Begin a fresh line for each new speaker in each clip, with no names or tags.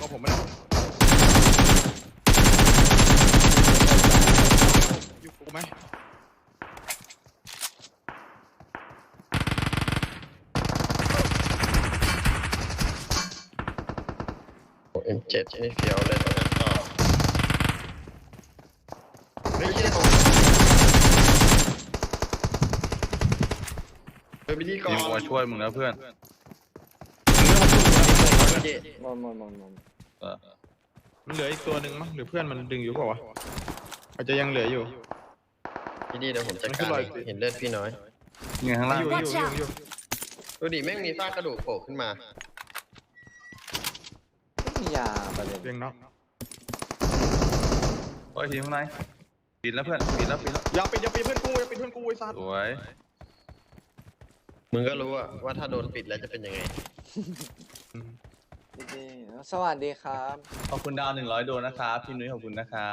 ผมไม่ได้อยู่กูไหม
M7ไม่เฟี้ยวเลยตอนนั้นต่อเฮ้ยเป็นพิธีกร
มีมาช่วยมึงนะเพื่อน
มันเหลืออีกตัวหนึ่งมั้งหรือเพื่อนมันดึงอยู่เปล่าวะอาจจะยังเหลืออยู่
พี่ดีเดี๋ยวผมจัดการเห็นเลือดพี่น้อย
เนี่ยข้างล่าง
อยู่
ดูดิแม่งมีซากกระดูกโผล่ขึ้นมา
ไม่มียาประเด็น
เรียงน็อก
โอ้ยทีมข้างในปิดแล้วเพื่อนปิดแล้ว
อย่าปิดเพื่อนกูไอ้สัตว์
สวย
มึงก็รู้อะว่าถ้าโดนปิดแล้วจะเป็นยังไง
ดีๆสวัสดีครับ
ขอบคุณดาว100ดวงนะครับพี่นุ้ยขอบคุณนะครับ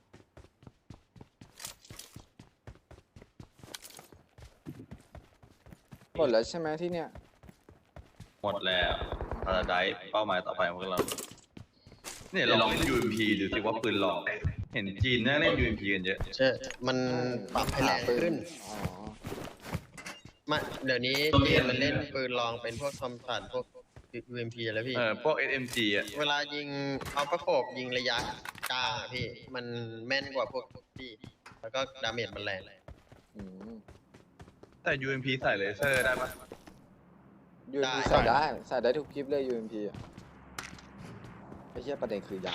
หมดแล้วใช่ไหมที่เนี่ย
หมดแล้วพาราไดซ์เป้าหมายต่อไปของพวกเราเนี่ยลองเล่น UMP ดูสิว่าปืนหลอกเห็นจีนน่าเล่น UMP กันเยอะ
ใช่มันปรับให้แรงขึ้น
อ๋อ
มาเดี๋ยวนี้เกมมันเล่นปืนลองเป็นพวกทอมสันพวก UMP แล้วพี่
พวก SMG อ่ะ
เวลายิงเอาประโขบยิงระยะกลางอะพี่ มันแม่นกว่าพวกพี่ แล้วก็ดาเมจมันแรง
อืม
แต่ UMP ใส่เลเซอร์ได้ปะ
UMP ใส่ได้ทุกคลิปเลย UMP อ่ะไอ้เหี้ยประเด็นคือยา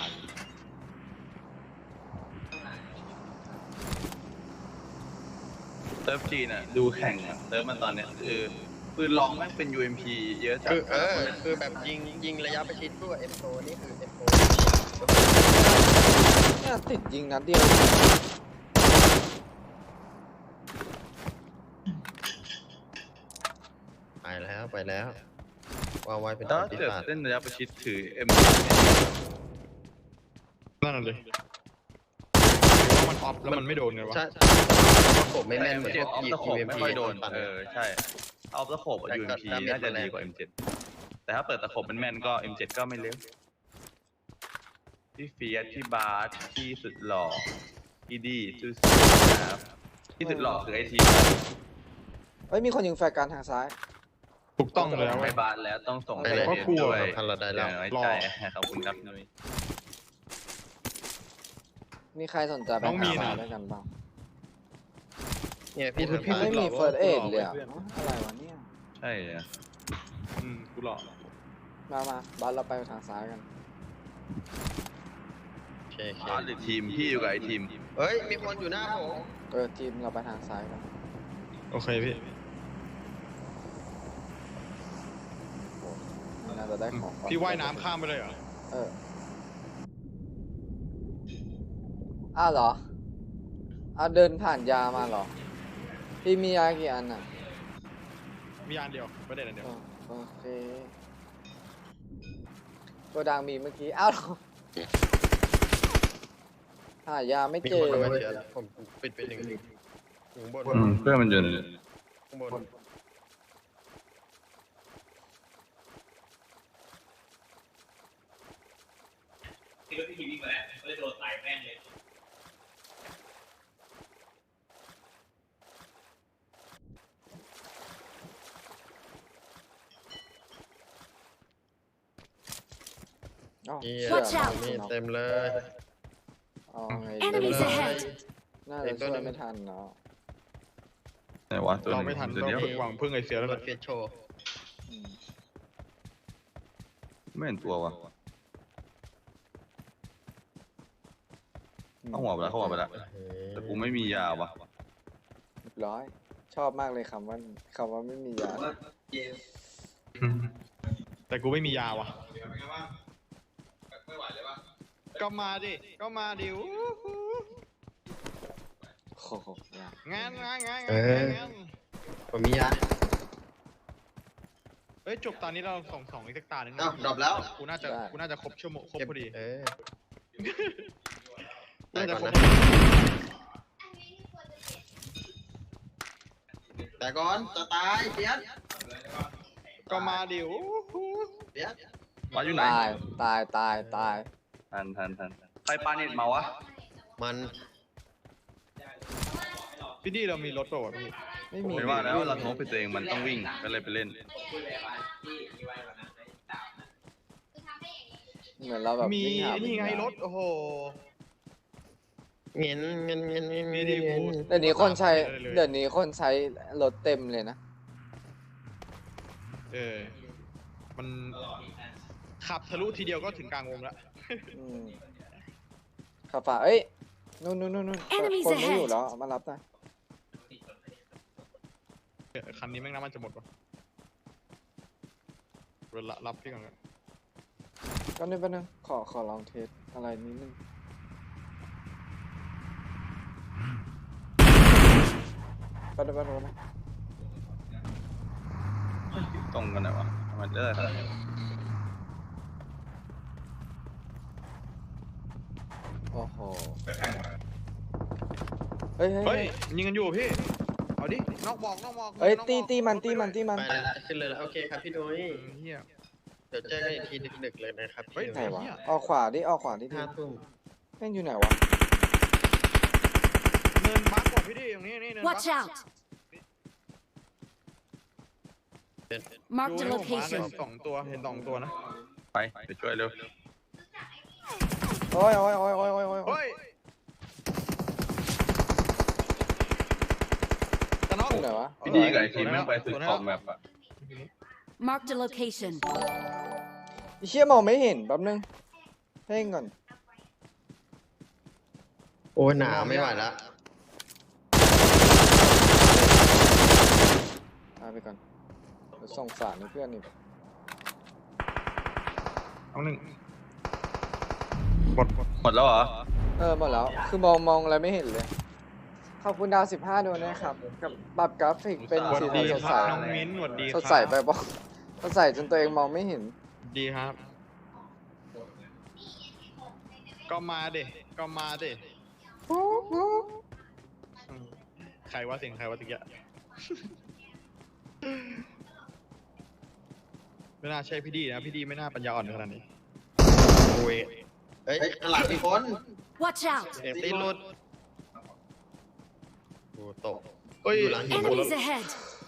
เซิร์ฟจีนอ่ะดูแข่งอ่ะเซิร์ฟมันตอนเนี้ยคือปืนลองแม่งเป็น UMP เยอะจัด
คือแบบยิงระยะประชิดด้วย M4 นี่คือ M4
เนี่ยติดยิงนัดเดียว
ไปแล้ววางไว้เป็น
แล้ว
ตัวที่
เกิด
ตัด
เล่นระยะประชิดถือ M
นั่นน่ะเลยมันออฟแล้วมันไม่โดนไงวะ
ใช่ประกบไม่แม่นเหมือนพวก
ออฟตะขบ
UMP
ไม่ค่อยโดน
ปั่น
ใช่ออฟตะขบ UMP น่าจะดีกว่า M7 แต่ถ้าเปิดตะขบมันแม่นก็ M7 ก็ไม่เร็วพี่เฟียสพี่บาสพี่สุดหล่อพี่ดีซูซี่นะครับพี่สุดหล่อคือไอที
เฮ้ยมีคนยิงแฟร์การทางซ้าย
ถูกต้องแล้ว
ไปบาสแล้วต้องส่ง
ไปเลย
ก็กลัว
ด้วย
ทันเราได้แล้ว
ไว้ใจขอบคุณครับนุ้ย
มีใครสนใจไป
น้องมี
หา
นะ
ด้วยกันบ้าง
เนี่ยพี่
โอ้
ถึ
ย
ง
พี่
ผ่าน
ไม่มี
หลอก
เฟิร์สเอด
หลอก
เลยอ่ะ
เพื่อน
อะไรวะเนี่ย
ใช่อะ
กูหลอก
มาบัสเราไปทางซ้ายกัน
โอเค
บาสหรือทีมพี่อยู่กับไอทีม
เฮ้ย มีคนอยู่หน้าผม
ทีมเราไปทางซ้ายกัน
โอเคพี่
น่าจะได้ของก่อน
พี่ว่ายน้ำข้ามไปเลยเหรอ
อ้าวเหรออ้าวเดินผ่านยามาเหรอ พี่มียากี่อันอ่ะ
มีอันเดียวประเด็นอันเดียว
โอเคโกดังมีเมื่อกี้ อ้าวเหรอหายาไม่
มี
เจ
ค
อน
มาเจอแล้วผมปิดไปหนึ่งอยู่ข้างบน
เพื่อนมันอยู่
ข้างบน
ที่รถพี่วิ่งมาแล้วก็เลยโดนใส่แม่งเลย
อ้าว
นี่
Watch out
มีเต็มเลย
เอาไง
Enemies ahead!
น่าจะช่วยไม่ทันเนาะ
ไหนวะตัว
เราไม่ทัน
ตัว
เรา
เดียว
หวังพึ่งไอเสียแล้ว
ร
แหละ
ถเฟียสโชว์
อืม
ไม่เห็นตัววะเข้าหัวไปแล้วแต่กูไม่มียาวะ
เรียบร้อย ชอบมากเลยคำว่าไม่มียา
แต่กูไม่มียาว่ะก็มาดิอู้หู
โอ้โหยาง
าน
ผมมียา
เฮ้ยจบตอนนี้เราส่งอีกสักตาหนึ่ง
อ้าวดรอปแล้ว
กูน่าจะครบชั่วโมงครบพอดี
แต่
น่าจะ
ก่อน
ครบ
นะแต่ก่อนจะตายเฟียส
ก็มาดิอู้หู
เฟียส
มาอยู่ไหน
ตาย
ทันใครปาเน็ตมาวะ
มัน
พี่ดีเรามีรถเปล่าวะพี่
ไม่มี
ไม่ว่าแล้วเราโน้ตไปตัวเองมันต้องวิ่งก็เลยไปเล่น
เหมือนเราแบบ
มี
วิ่หา
นี่ไง
วิ่หาร
ถโอ้โห
เงิน
มีดีพูด
เดี๋ยวนี้คนใช้
ได้เลย
เดี๋ยวนี้คนใช้รถเต็มเลยนะ
มันขับทะลุทีเดียวก็ถึงกลางวงแล้ว
อืมขับฝ่าเอ้ยนู่น
Enemies
คนไม่อยู่
ahead
แล้วเอามารับนะ
คันนี้แม่งน้ำมันจะหมดวะเวลารับพี่ก่อน
ก็นึงขอลองเทสอะไรนิดนึงไปดู
ตรงกันไหนวะทำไมเลิก
โอ้โหเฮ้ย
เฮ้ยยิงกันอยู่พี่เอาดินอกบอก
เฮ้ย
นอกบอก
ตีมัน
ไปแล้วขึ้นเลยแล้วโอเคครับพี่นุ้ย
เฮีย
เดี๋ยวเจอกันอีกทีดึกๆเลยนะครับ
เฮ้ย
ไหนวะออกขวาดิ
5 ทุ่ม
แม่งอยู่ไหนวะ
เนินบักกว่าพี่ดิตรงนี้นี่เนินบัก
Watch out! Marked a
ดูให้ผมมาหน่อย
location.
สองตัวเห็นสองตัวนะ
ไปไปช่วยเร็ว
โอ้ย
เฮ้ยจะน็อก
อยู่ไหนวะ
พี่ดีกับไอทีมแม่งไปสุดขอบแมปอะ
Marked a location.
ไอ้เชี่ยมองไม่เห็นแป๊บนึงเพ่งก่อน
โอ้ยหนาวไม่ไหวแล้ว
เอาไปก่อนเดี๋ยวส่งสารให้เพื่อนอีก
เอาหนึ่งหมด
หมดแล้วเหรอ
หมดแล้ว คือมองอะไรไม่เห็นเลย ขอบคุณดาว15ดวงนะครับ กับปรับกราฟิกเป็น
สวัส
สี
ดี
สันสด
ค
ใส
รับน้องมิ้นสวัสดี
สดใสไปบอกสดใสจนตัวเองมองไม่เห็น
ดีครับ ก็มาเด็ใครว่าเสียงใครว่าตะกี้ไม่น่าใช่พี่ดีนะพี่ดีไม่น่าปัญญาอ่อนขนาดนี้โอ้ย
เฮ้ยหลังมีคน
Watch out!
เสียงตีนหลุดโอ้ตก
เฮ้ย
อยู่หลังหิน
Enemies ahead!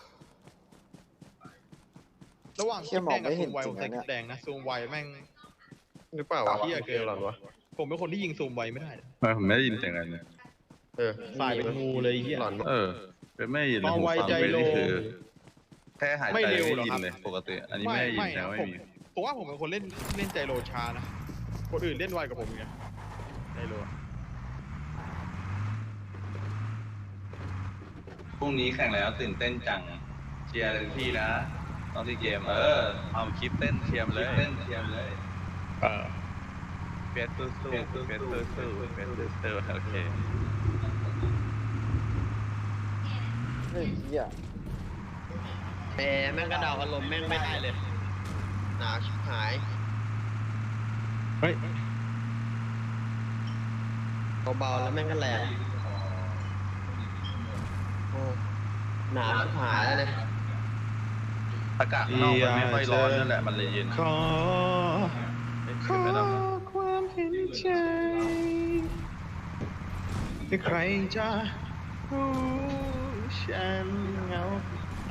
ระหว่าง
เชี่ยมองไม่เห็น
ซูมไว
จริงนะเนี่ย
แดงนะซูมไวแม่ง
หรือเปล่าวะ
เหี้ยเกิน
หรอวะ
ผมเป็นคนที่ยิงซูมไวไม่ได้
ทำไมผมไม่ได้ยินเสียงอะไรเลย
สายเป็นงูเลยไอ้เหี้ย
หลอน
เป็นไม่ได้ยินเลย
เมาไว
หูฟัง
ใจ
เป็น
โล
นี่คือแค่หายใจ
ไม่เร็ว
ไม่
หร
ได้
อก
ยิ
ครับ
นเลยปกติ อันนี้ไม่ได้ยินแต่ไม่มี
ผมว่าผมเป็นคนเล่นใจโลช้านะคนอื่นเล่นไวกว่าผมไงใจโล
พรุ่งนี้แข่งแล้วตื่นเต้นจังเชียร์เลยพี่นะตอนที่เกมเอาคลิปเต้นเชียร์เลย เฟสสู้เฟสสู้โอเค
เฮ้ยเหี้ย
แหมแม่งกระเดาอารมณ์แม่งไม่ได้เลย หนาวชิบหาย
เฮ้ย
เบาๆแล้วแม่งก็แรงโอ้หนาวชิบหายแล้วเนี่ย
อากาศข้างนอกมันไม่ค่อยร้อนนั่นแหละมันเลยเย็น
ขอ
ขึ้นไม่ได้
ความเห็นใจใครจะรู้ฉันเหงาใจ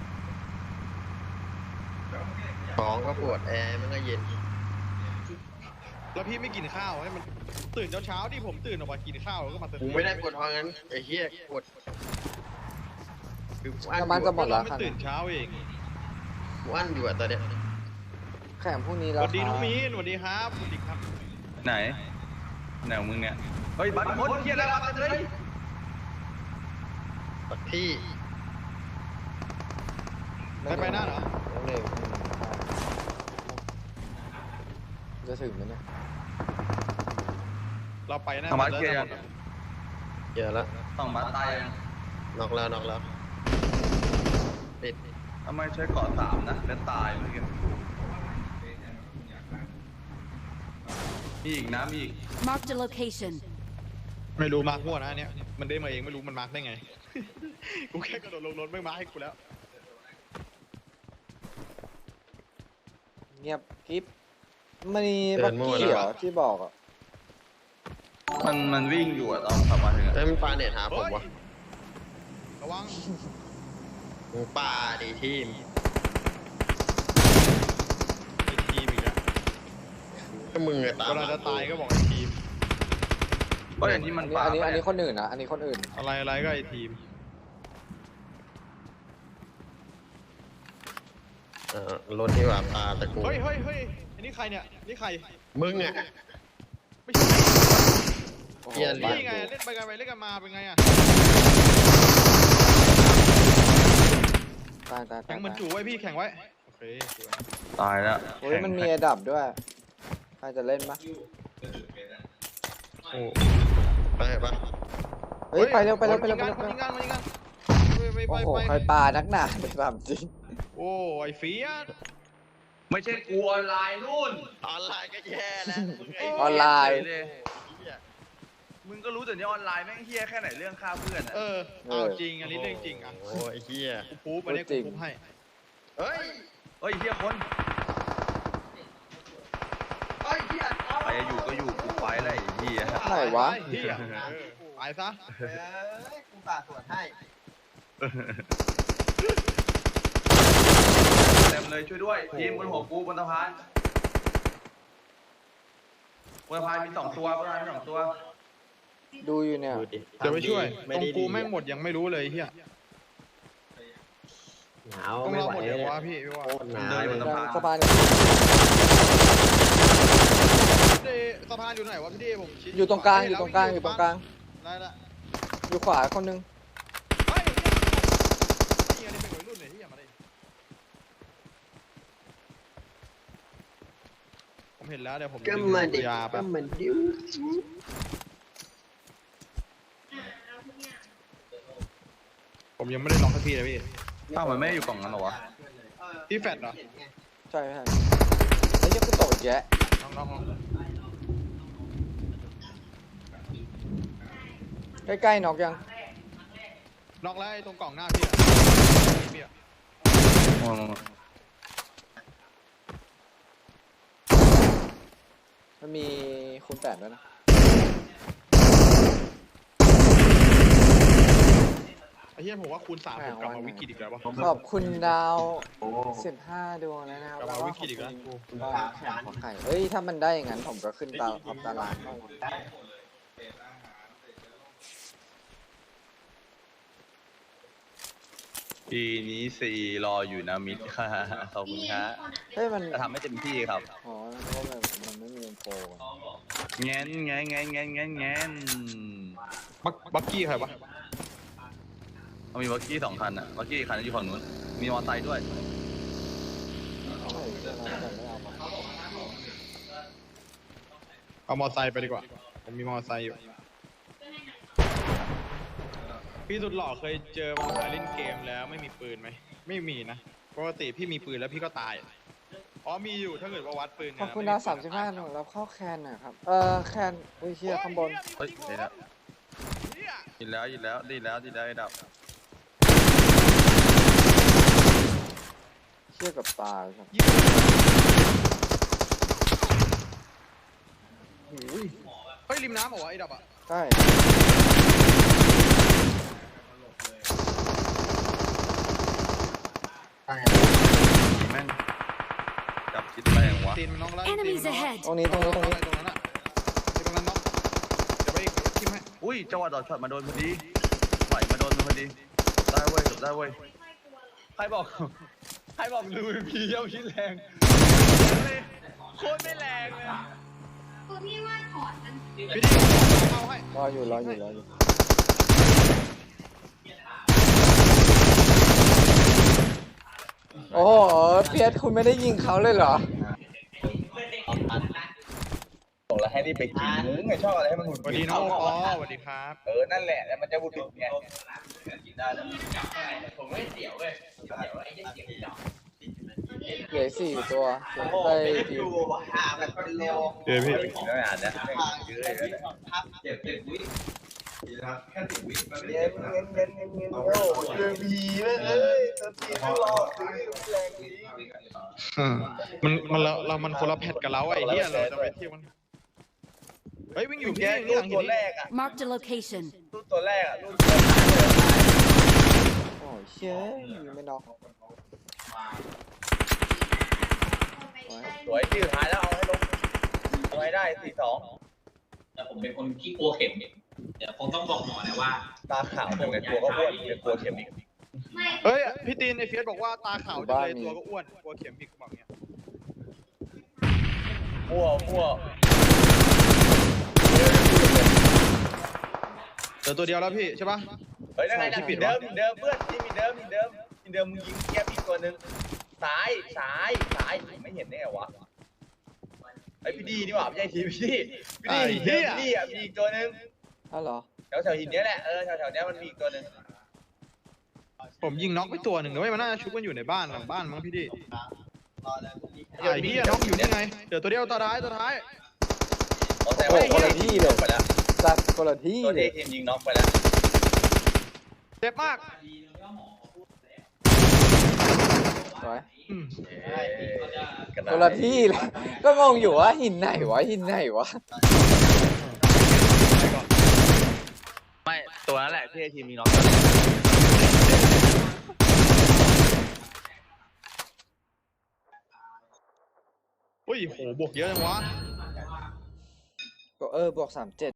ท้องก็ปวดแอร์มันก็เย็น
แล้วพี่ไม่กินข้าวให้มันตื่นเช้าๆที่ผมตื่นออกมากินข้าวแล้วก็มา
กูไม่ได้ปวดท้องงั้นไอ้เหี้ยปวดคือกูอั้น
น้ำมัน
อ
จะ
ยู่
หมดแล้ว
ไม่
ค่ะ
ตื่นเช้าเอง
กูอั้นอยู่อะตอนเนี้ย
แข่งพรุ่งนี้
ส
แล้ว
วัสดีน้อง
ครับ
มีนสวัสดีครับสวัสดีครับ
ไหนแนวมึงเนี่ยเฮ้ยบัตรคนเฮียแล้วบัตรเลย
ปัดพี่
ไปหน้าเหรอ
น้องหนึ่ง
จะถึงไหมเนี่ย
เราไปหน้า
ทำบัตรเกียร์ยัง
เจอแล้ว
ต้องบัตรตายยัง
นอกแล้วปิด
ทำไมใช้เกาะ3นะแล้วตายเมื่อกี้มีอีกนะมีอีก
Marked a location.
ไม่รู้มาร์กมั่วนะอันเนี่ยมันได้มาเองไม่รู้มันมาร์กได้ไง กูแค่กระโดดลงรถไม่มาร์กให้กูแล้ว
เงียบกริ๊บมันมีบักกี้เหรอที่บอกอ่ะ
มันวิ่งอยู่อะตอนขับมาถึงอะ
เฮ้ยมันปาเน็ตหาผมวะ
ระวัง
มึงปาดิทีม
ไอ้ทีมอีกแล้ว
ถ้ามึงอะตาม
เวลาจะตายก็บอกไอ้ทีม
ก็อย่างที่มันปา
อันนี้
ไป
อันนี้คนอื่นนะอันนี้คนอื่น
อะไรก็ไอ้ทีม
รถที่ว่าปาตะกู
เฮ้ยอันนี้ใครเนี่ยนี่ใคร
มึงอะ
ไม่ใช่
โอ้โห
เหี้ย
นี่ไงเล่นไปกันไปเล่นกันมาเป็นไงอะ
ตาย
แข่งเหมือนจู่ไว้พี่แข่งไว้โอเคสวย
ตายแล้ว
โอ้ยมันมีไอ้ดับด้วยใครจะเล่นปะ
โอ้ไปปะ
เฮ้ยไปเร็วไปเร็ว
ยิงกันยิงกัน
โอ้โหใครปานักหนาไปแบบจริง
โอ้ไอ้เฟียส
ไม่ใช่กูออนไลน์นู่น
ออนไลน์ก็แย่แล้วมึงไอ้
ออนไลน์
เลย
เหี้ย
มึงก็รู้แต่นี้ออนไลน์แม่งเฮี้ยแค่ไหนเรื่องฆ่าเพื่อนอะ
เอาจริงอันนี้เรื่องจริงอ่ะ
โอ้ยเฮีย
กูพูบอันนี้กูพูบให้
เฮ้ย
เฮ้ยเฮี้ยคนไปจะอยู่ก็อยู่กูไปอะไรเฮี้ย
ไหนวะ
เฮียตายซะ
กูปาสวนให้
เต็มเลยช่วยด้วยทีมบนหัวกูบนสะพานบนสะพานมี2 ตัวบนสะพานมี2 ตัว
ดูอยู่เนี่ย
ดูดิ
เดี๋ยวไปช่วยตรง
ดี
กูแม่งหมดยังไม่รู้เลยเฮีย
หนาว
ต้อง
ไม่
รอ
ไหว
หมด
เล
เดี๋ย
ยว
วะพี่ว่า
โคตรหนาว
เดินบน
เลย
สะพาน
สะพานอยู่ไหนวะพี่เดผมชี้
อยู่ตรงกลางอยู่ตรงกลางอยู่ตรงกลาง
ได้ละ
อยู่ขวาคนนึง
เฮ้ยนี่อันนี้เป็นวัยรุ่นเลยที่อย่ามาดิผมเห็นแล้วเดี๋ยวผม
ก็มาดิ
ยาแป๊
ก็
บ
มาดิ้ว
ผมยังไม่ได้ล็อกให้พี่เลยพี่
อ้าวมันไม่ได้อยู่กล่องนั้นเหรอวะ
พี่แฟดเหรอ
ใช่ไอ้เหี้ยกูโตดแยะ
น้อง
ใกล้ๆน็อกยัง
ล็อกแล้วไอ้ตรงกล่องหน้าพี่อะพี่อะ
มันมีคูณ8ด้วยนะ
ไอ้เหี้ยผมว่าคูณ 3ผมกลับมาวิกฤตอีกแล้ววะ
ขอบคุณดาว15 ดวงแล้วนะครับ
กลับมาวิกฤตอีกแล้ว
ขอไข่เฮ้ยถ้ามันได้อย่างนั้นผมก็ขึ้นตาราง
ปีนี้4รออยู่นะมิตรค่ะขอบคุณครับ
เฮ้ยมัน
จะทำให้เต็มที่ครับ
อ๋อเพราะว่ามันไม่มีโปร
แงน
บักกี้ใครวะ
มันมีวักกี้2 คันอะวักกี้คันอยู่ฝั่งนู้นมีมอเตอร์ไซค์ด้วย
เอามอไซค์ไปดีกว่าผมมีมอไซค์อยู่พี่สุดหล่อเคยเจอมอไซค์เล่นเกมแล้วไม่มีปืนไหมไม่มีนะปกติพี่มีปืนแล้วพี่ก็ตายอ๋อมีอยู่ถ้าเกิดว่าวัดปืน
ขอบคุณดาว35ดวงแล้วเข้าแคนหน่อยครับแคนอุ้ยเฮียข้างบน
เฮ้ยได้แล้วยินแล้วดีแล้วไอ้ดับ
เชี่ยกับตาครับ
เฮ้ยริมน้ำเหรอวะไอ้ดับอ่ะ
ใช่
แม่งจับคิดแรงวะ
ตีนมันน้องไล่
Enemies ahead
ตรงนี้
ตรงนั้นอ่ะตรงนั้นน้องเดี๋ยวไปอีกทิมให้
อุ้ยจังหวะดอดช็อตมาโดนพอดีไหลมาโดนพอดีได้เว้ยใครบอกดูพีเย่าชิ้นแรงโคตรไม่แรงเลย
พี่ดิเอาให้
รออยู่โอ้โหเพียรคุณไม่ได้ยิงเขาเลยเหรอ
บอกแล้วให้รีบไปกินมึงไงชอบอะไรให้มันหมุน
สวัสดีน้องปอสวัสดีครับ
นั่นแหละแล้วมันจะหมุนไง
เหลือ4 ตัวได้ทีม
เดี๋ยวพี่
ไม่อ่านนะเยอะเลย
พับเจ็บวิ
มันคนละแพทกับเราไอ้เหี้ยเราจะไปเที่ยวมันเฮ้ยวิ่งอยู่พี่นี่หลังหินนี่
Marked a location.
ตัวแรกอ่ะ
โอ้ยเชี่ยยิงไม่น็อก
สวยที่สุดท้ายแล้วเอาให้ลงเอาให้ได้4-2
แต่ผมเป็นคนขี้กลัวเข็มเดี๋ยวคงต้องบอกหมอนะว่า
ตาขาวเป็นไงกลัวก็อ้วนเป็นกลัวเข็มอีก
เฮ้ยพี่ตีนไอ้เฟียสบอกว่าตาขาวจังเลยตัวก็อ้วนกลัวเข็มอีกบอกเนี้ย
มั่ว
เดี๋ยวตัวเดียวแล้วพี่ใช่ปะ
เฮ้ยนั่นไงผิดเดิมเพื่อนที่มีเดิมมึงยิงแก้มอีกตัวนึงซ้ายไม่เห็นได้ไงวะไอ้พี่ดีนี่หว่าไม่ใช่ทีพี่ดีอ่ะมีอีกตัวนึง
อ้าวเหรอ
แถวหินเนี้ยแหละแถวเนี้ยมันมีอีกตัวนึง
ผมยิงน็อกไปตัวหนึ่งนะเว้ยมันน่าจะชุบกันอยู่ในบ้านหลังบ้านมั้งพี่ดิไอ้เหี้ยน็อกอยู่นี่ไงเดี๋ยวตัวเดียวตัวท้าย
แต่ว่าคนละที่เลยไปแล้ว
สัตว์คนละที่
ตัว
เล
ที่
ย
ทีมยิงน็อกไปแล้ว
เจ็บมาก
สวย
อืม
คนละที่เลยก็งงอยู่ว่าหินไหนวะ
ไม่ตัวนั้นแหละที่ทีมมีน้อง
อุ้ยโหบวกเยอะจังวะ
ก็บวก37